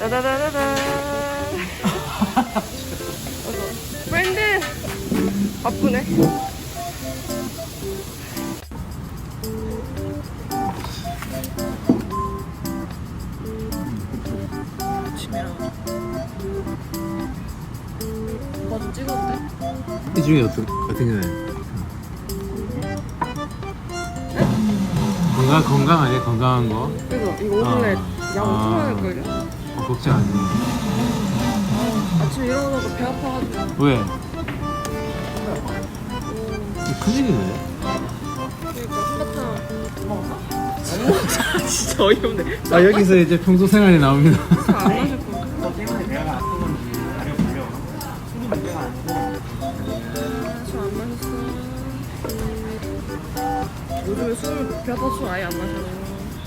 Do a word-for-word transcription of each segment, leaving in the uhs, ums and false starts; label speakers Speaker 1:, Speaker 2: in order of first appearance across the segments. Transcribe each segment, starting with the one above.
Speaker 1: 따다다다다. 프렌드 바쁘네. 아침이라 오빠 좀 찍어도 돼?
Speaker 2: 이 중에 어떤 어떤 게 건강 건강 아니야 건강한 거?
Speaker 1: 이거 이거 오늘에
Speaker 2: 어.
Speaker 1: 양
Speaker 2: 아.
Speaker 1: 엄청 많을 걸요?
Speaker 2: 어, 걱정하지.
Speaker 1: 아침에 일어나서 배 아파가지고.
Speaker 2: 왜? 큰일이네.
Speaker 1: 그러니까 한바탕 먹었나? 진짜 어이없네.
Speaker 2: 아 여기서 이제 평소 생활이 나옵니다.
Speaker 1: 안 마실 거. 술안 마셨어. 요즘에 술 배 아파 술 아예 안 마셔.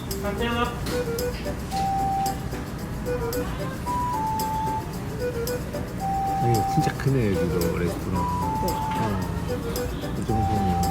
Speaker 2: 여기 진짜 크네 여기도 레스토랑. 어. 이 정도면.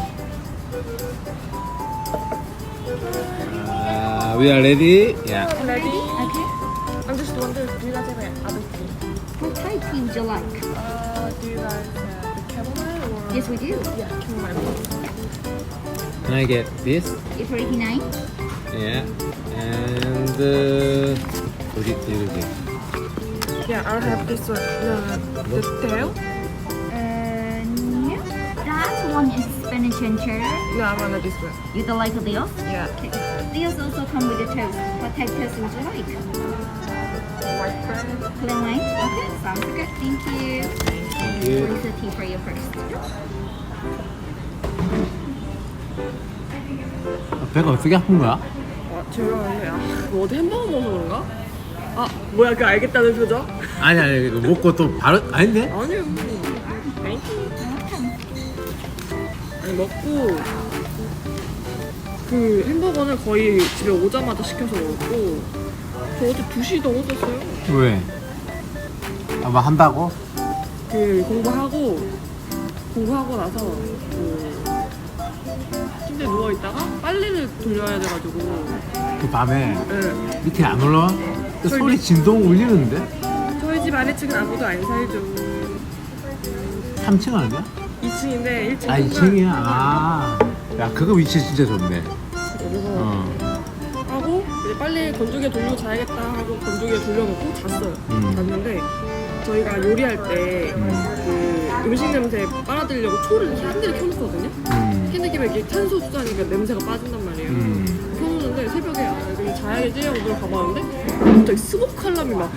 Speaker 2: 아, we are ready. Yeah.
Speaker 1: Ready?
Speaker 3: Okay.
Speaker 1: I'm just wondering, do you guys have any other tea?
Speaker 3: What type tea would you like?
Speaker 1: Uh, do you guys have the chamomile or?
Speaker 3: Yes, we do.
Speaker 1: Yeah, chamomile.
Speaker 2: Can I get this?
Speaker 3: It's eighty-nine.
Speaker 2: Yeah. And uh, 어디 이렇게.
Speaker 1: Yeah, I'll have this one. The, the tail?
Speaker 3: Uh, no. That one is spinach and cheddar.
Speaker 1: No, I want this one.
Speaker 3: You don't like the else?
Speaker 1: Yeah.
Speaker 3: Okay. These also come with the toast. What type toast would you like?
Speaker 1: White bread.
Speaker 3: Plain white? Okay, sounds good. Thank you.
Speaker 2: Thank you.
Speaker 3: Where's the tea for you first?
Speaker 2: 배가 어떻게 아픈 거야?
Speaker 1: 아, 죄송한데, 아, 뭐 어디 햄버거 먹어서 그런가? 아, 뭐야, 그 알겠다는 표정?
Speaker 2: 아니 아니 이거 먹고 또 바로 아닌데?
Speaker 1: 아니요. 땡큐. 아니, 먹고, 그 햄버거는 거의 집에 오자마자 시켜서 먹었고, 저 어제 두 시 넘어졌어요.
Speaker 2: 왜? 아뭐 한다고?
Speaker 1: 그 공부하고, 공부하고 나서, 그, 침대에 누워있다가 빨래를 돌려야 돼가지고,
Speaker 2: 그 밤에
Speaker 1: 네.
Speaker 2: 밑에 안 올라와? 그
Speaker 1: 저희
Speaker 2: 소리
Speaker 1: 밑-
Speaker 2: 진동 울리는데?
Speaker 1: 저희 집 아래층은 아무도 안 살죠.
Speaker 2: 삼 층 아니야?
Speaker 1: 이 층인데 일 층.
Speaker 2: 아 이 층이야? 아. 야 그거 위치 진짜 좋네.
Speaker 1: 그래서
Speaker 2: 어.
Speaker 1: 하고 이제 빨리 건조기에 돌리고 자야겠다 하고 건조기에 돌려놓고 잤어요.
Speaker 2: 음.
Speaker 1: 잤는데 저희가 요리할 때 그 음식 냄새 빨아들이려고 초를 캔들을 켜놓거든요.
Speaker 2: 음.
Speaker 1: 캔들 끼면 이게 탄소 수자니까 냄새가 빠진단 말이에요.
Speaker 2: 음.
Speaker 1: 켜놓는데 새벽에 아 여기 자야겠지 하고 누가 가봤는데 갑자기 스모크 알람이 막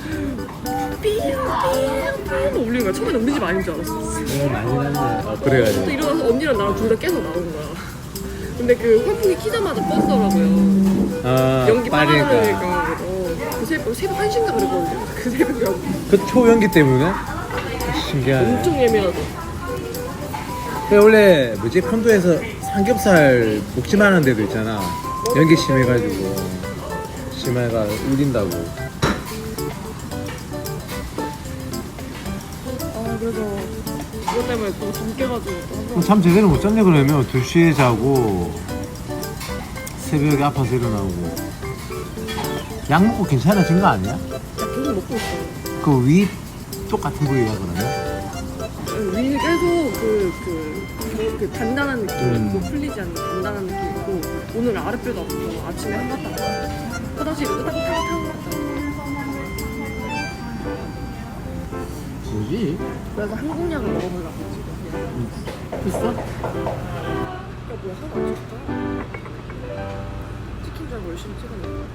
Speaker 1: 삐용삐용삐용 울리는 거야. 처음에는 우리 집 아닌 줄 알았어.
Speaker 2: 어, 많이 났네. 어,
Speaker 1: 또
Speaker 2: 그래가지고.
Speaker 1: 일어나서 언니랑 나랑 둘 다 깨서 나온 거야. 근데 그 환풍기 키자마자 껐더라고요.
Speaker 2: 아,
Speaker 1: 연기
Speaker 2: 빠르니까.
Speaker 1: 빨아들으니까. 어, 그 새벽, 새벽 한 시인가 그랬거든요. 그 새벽에
Speaker 2: 그 초연기 때문에? 신기하네.
Speaker 1: 엄청 예민하죠.
Speaker 2: 근데 원래 뭐지 콘도에서 삼겹살 먹지 마는 데도 있잖아. 연기 심해가지고 심해가 울린다고.
Speaker 1: 아 그래서 그것 때문에 또 잠 깨가지고 또 한 번.
Speaker 2: 잠 제대로 못 잤네 그러면 두 시에 자고 새벽에 아파서 일어나고. 약 먹고 괜찮아진 거 아니야?
Speaker 1: 야, 계속 먹고 있어요.
Speaker 2: 그 위 똑같은 부위야 그러면?
Speaker 1: 위는 계속 그, 그, 그, 그 단단한 느낌,
Speaker 2: 음.
Speaker 1: 뭐 풀리지 않는 단단한 느낌이고 오늘 아랫배도 아프고 아침에 한바탕 화장실에 으닥탕탕
Speaker 2: 뭐지?
Speaker 1: 그래서 한국약을 먹어보려고 지금 그냥.
Speaker 2: 비싸?
Speaker 1: 야 뭐야 사과 안 찍었다. 치킨 줄 알고 열심히 찍었네.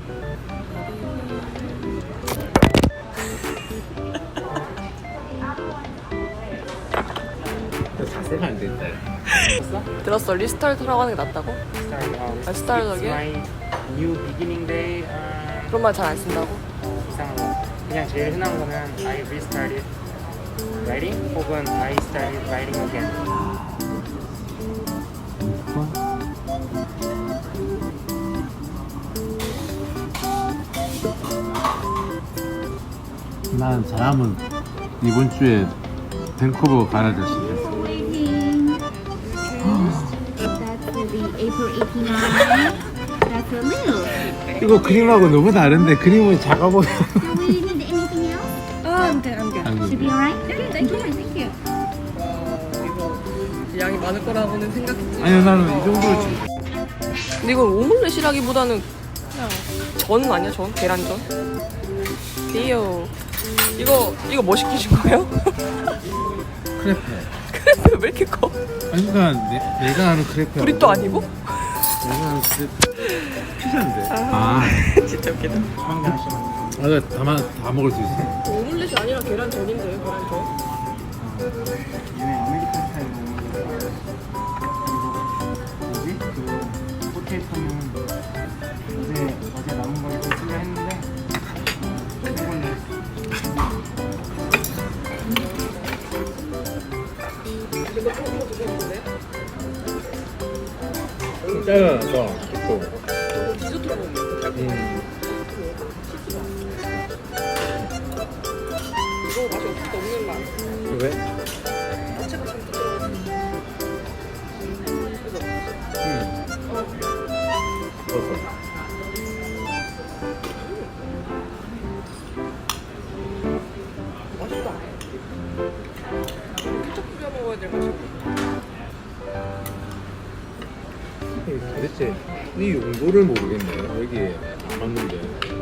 Speaker 2: 자세가 안 된다.
Speaker 1: 들었어? 리스타트라고 하는 게 낫다고?
Speaker 4: Start, um,
Speaker 1: 아, start
Speaker 4: it's
Speaker 1: again?
Speaker 4: my new beginning day. 어,
Speaker 1: 그런 말 잘 안 쓴다고?
Speaker 4: 이상한 거. 그냥 제일 흔한 거는 I restarted writing 혹은 I started writing again.
Speaker 2: 난 잘하면 이번 주에 밴쿠버 가야 될 수도 있어.
Speaker 3: Waiting. That's the April eighty-nine. That's a little.
Speaker 2: 이거 그림하고 너무 다른데 그림은 작아 보여.
Speaker 3: Do we need anything Alright. Okay, enjoy. Thank you.
Speaker 1: 이거 양이 많을 거라고는 생각했지.
Speaker 2: 아니요, 나는 이 정도를 좀.
Speaker 1: 근데 이건 오믈렛이라기보다는 그냥 전 아니야, 전? 계란전? 띠요. 이거 이거 뭐 시키신 거예요?
Speaker 2: 크레페.
Speaker 1: 크레페 왜 이렇게 커?
Speaker 2: 아니, 그러니까 내, 내가 아는 크레페.
Speaker 1: 브리또 아니고?
Speaker 2: 내가 아는 크레페. 피자인데. 아,
Speaker 1: 진짜 웃기다.
Speaker 4: 한개 하시면
Speaker 2: 아, 그래, 다, 마- 다 먹을 수 있어.
Speaker 1: 오믈렛이 아니라 계란전인데요, 계란전?
Speaker 4: 얘네 아메리칸 스타일 먹는 거. 그리고 뭐지? 그 포테이토는 어제 어제 남은 거 이렇게 쓰려 했는데 이걸로
Speaker 1: 이거 좀 이거 드셨는데?
Speaker 2: 잘라서 또.
Speaker 1: 이거 디저트로 먹는 거.
Speaker 2: 음.
Speaker 1: 이거 맛이 없을 때 없는 맛.
Speaker 2: 왜?
Speaker 1: 야채가 잔뜩 들어갔어. 그죠?
Speaker 2: 음.
Speaker 1: 어.
Speaker 2: 버섯.
Speaker 1: 맛있다. 케첩 뿌려 먹어야 될 맛이.
Speaker 2: 도대체 이 용도를 모르겠네. 여기에 안 맞는데.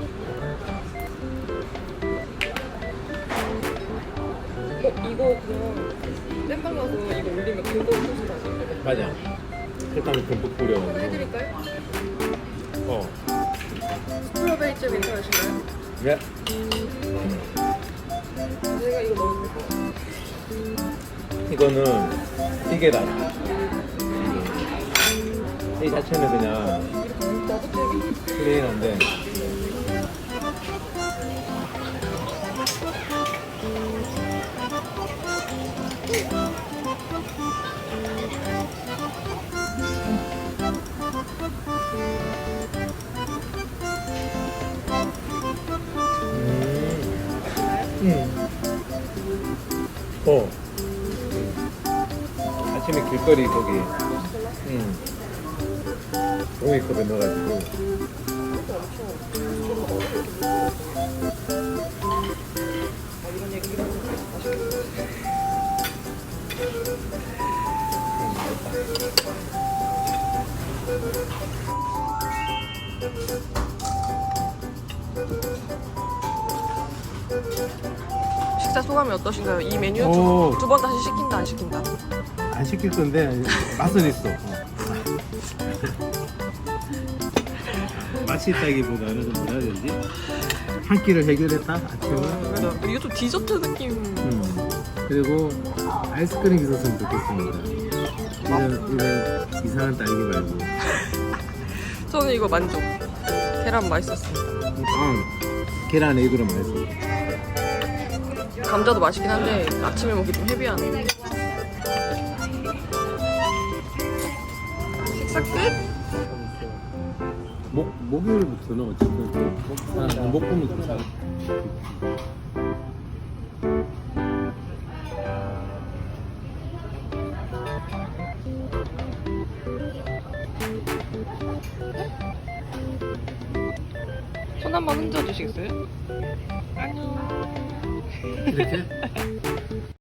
Speaker 1: 어, 이거 그냥 땜빵 가서 이거 올리면 그거 소스 나지?
Speaker 2: 맞아. 설탕을 듬뿍 뿌려가지고.
Speaker 1: 해드릴까요?
Speaker 2: 어.
Speaker 1: 스트로베리 잼 괜찮으신가요?
Speaker 2: 네.
Speaker 1: 제가 이거 먹을 거예요.
Speaker 2: 이거는 이게 다. 이 자체는 그냥
Speaker 1: 나부터
Speaker 2: 플레인한데. 음. 어. 아침에 길거리 거기. 음. 종이컵에 넣어가지고.
Speaker 1: 아, 이런 얘기를 하면 맛있겠다. 식사 소감이 어떠신가요? 이 메뉴
Speaker 2: 오.
Speaker 1: 두 번 다시 시킨다 안 시킨다?
Speaker 2: 안 시킬 건데 맛은 있어. 어. 맛이 있다기보다는 좀 뭐라 해야 되지? 한 끼를 해결했다 아침은.
Speaker 1: 그래도 이게 좀 디저트 느낌.
Speaker 2: 음. 그리고 아이스크림 있었으면 좋겠습니다. 이런 이런 이상한 딸기 말고.
Speaker 1: 저는 이거 만족. 계란 맛있었습니다.
Speaker 2: 아, 계란 에이드로 맛있어.
Speaker 1: 감자도 맛있긴 한데 아침에 먹기 좀 헤비하네. 식사 끝?
Speaker 2: 목 목요일부터는 어쨌든 목, 아, 목금은 괜찮아.
Speaker 1: 손 한번 흔들어 주시겠어요? 안녕.
Speaker 2: 이렇게?